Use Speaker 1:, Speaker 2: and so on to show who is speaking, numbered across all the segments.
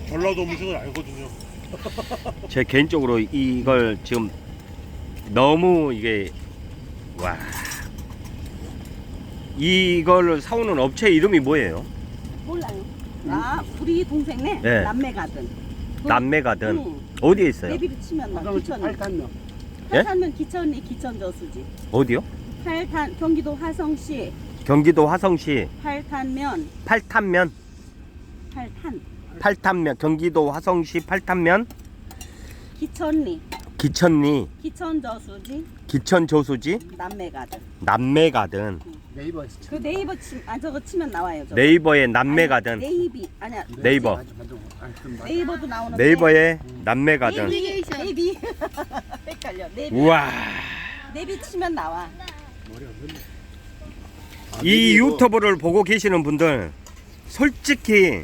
Speaker 1: 전라도 음식은 알거든요.
Speaker 2: 제 개인적으로 이걸 지금 너무 이게 와 이걸 사오는 업체 이름이 뭐예요?
Speaker 3: 몰라요. 아, 우리 동생네
Speaker 2: 네.
Speaker 3: 남매가든.
Speaker 2: 남매가든
Speaker 3: 응.
Speaker 2: 어디에 있어요?
Speaker 3: 내비를 치면 나 기천이.
Speaker 1: 팔탄면.
Speaker 2: 예?
Speaker 3: 팔탄면 기천이 기천저수지.
Speaker 2: 어디요?
Speaker 3: 팔탄 경기도 화성시
Speaker 2: 경기도 화성시
Speaker 3: 팔탄면
Speaker 2: 팔탄면
Speaker 3: 팔탄
Speaker 2: 팔탄면 경기도 화성시 팔탄면
Speaker 3: 기천리
Speaker 2: 기천리
Speaker 3: 기천저수지
Speaker 2: 기천저수지
Speaker 3: 남매가든.
Speaker 2: 남매가든
Speaker 1: 네이버.
Speaker 3: 그 네이버 저거 치면 나와요. 저거.
Speaker 2: 네이버에 남매가든
Speaker 3: 아니, 네이비 아니야.
Speaker 2: 네이버
Speaker 3: 네이버도 나오는데.
Speaker 2: 네이버에 남매가든
Speaker 3: 네이비 헷갈려. 네이비.
Speaker 2: 우와
Speaker 3: 네이비 치면 나와.
Speaker 2: 이 유튜브를 보고 계시는 분들 솔직히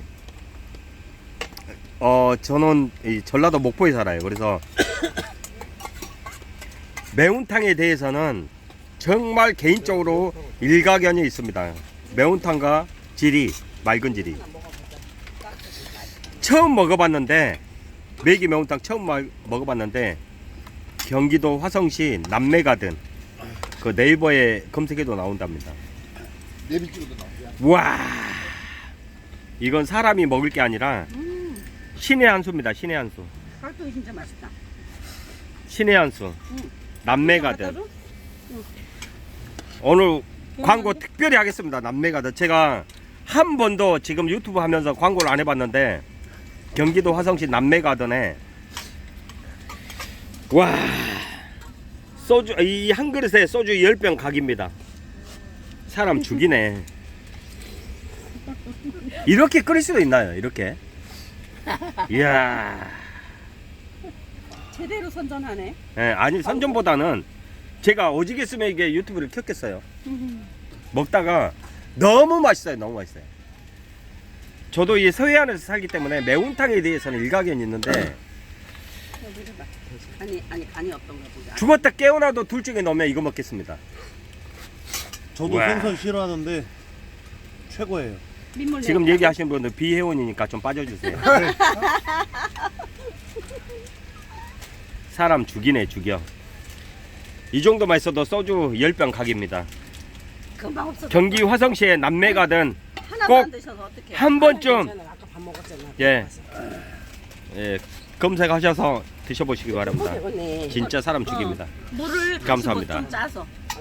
Speaker 2: 저는 이 전라도 목포에 살아요. 그래서 매운탕에 대해서는 정말 개인적으로 일가견이 있습니다. 매운탕과 지리, 맑은 지리 처음 먹어봤는데 매기 매운탕 처음 먹어봤는데 경기도 화성시 남매가든 그 네이버에 검색해도 나온답니다.
Speaker 1: 네비 찍어도 나오죠.
Speaker 2: 와 이건 사람이 먹을 게 아니라 신의 한 수입니다. 신의 한 수.
Speaker 3: 깍두기 진짜 맛있다.
Speaker 2: 신의 한 수. 남매가든. 오늘 광고 특별히 하겠습니다. 남매가든. 제가 한 번도 지금 유튜브 하면서 광고를 안 해봤는데 경기도 화성시 남매가든에 와 소주 이 한 그릇에 소주 10병 각입니다. 사람 죽이네. 이렇게 끓일 수도 있나요? 이렇게? 이야.
Speaker 3: 제대로 선전하네.
Speaker 2: 예, 아니 선전보다는 제가 오지겠으면 이게 유튜브를 켰겠어요. 먹다가 너무 맛있어요. 너무 맛있어요. 저도 이 서해안에서 살기 때문에 매운탕에 대해서는 일가견이 있는데
Speaker 3: 아니 간이 어떤가 보자.
Speaker 2: 죽었다 깨어나도 둘 중에 넣으면 이거 먹겠습니다.
Speaker 1: 저도
Speaker 2: 와.
Speaker 1: 생선 싫어하는데 최고예요.
Speaker 3: 민물
Speaker 2: 지금
Speaker 3: 내고.
Speaker 2: 얘기하시는 분들 비회원이니까 좀 빠져주세요. 사람 죽이네 죽여. 이 정도만 있어도 소주 10병 각입니다.
Speaker 3: 금방 없어.
Speaker 2: 경기 화성시의 남매가든
Speaker 3: 하나도
Speaker 2: 꼭
Speaker 3: 안 드셔서 어떡해.
Speaker 2: 한 번쯤
Speaker 4: 아까 밥 먹었잖아.
Speaker 2: 예, 검색하셔서 드셔보시기 바랍니다.
Speaker 4: 배고네.
Speaker 2: 진짜 사람 죽입니다.
Speaker 3: 물을
Speaker 2: 감사합니다.
Speaker 3: 좀 짜서.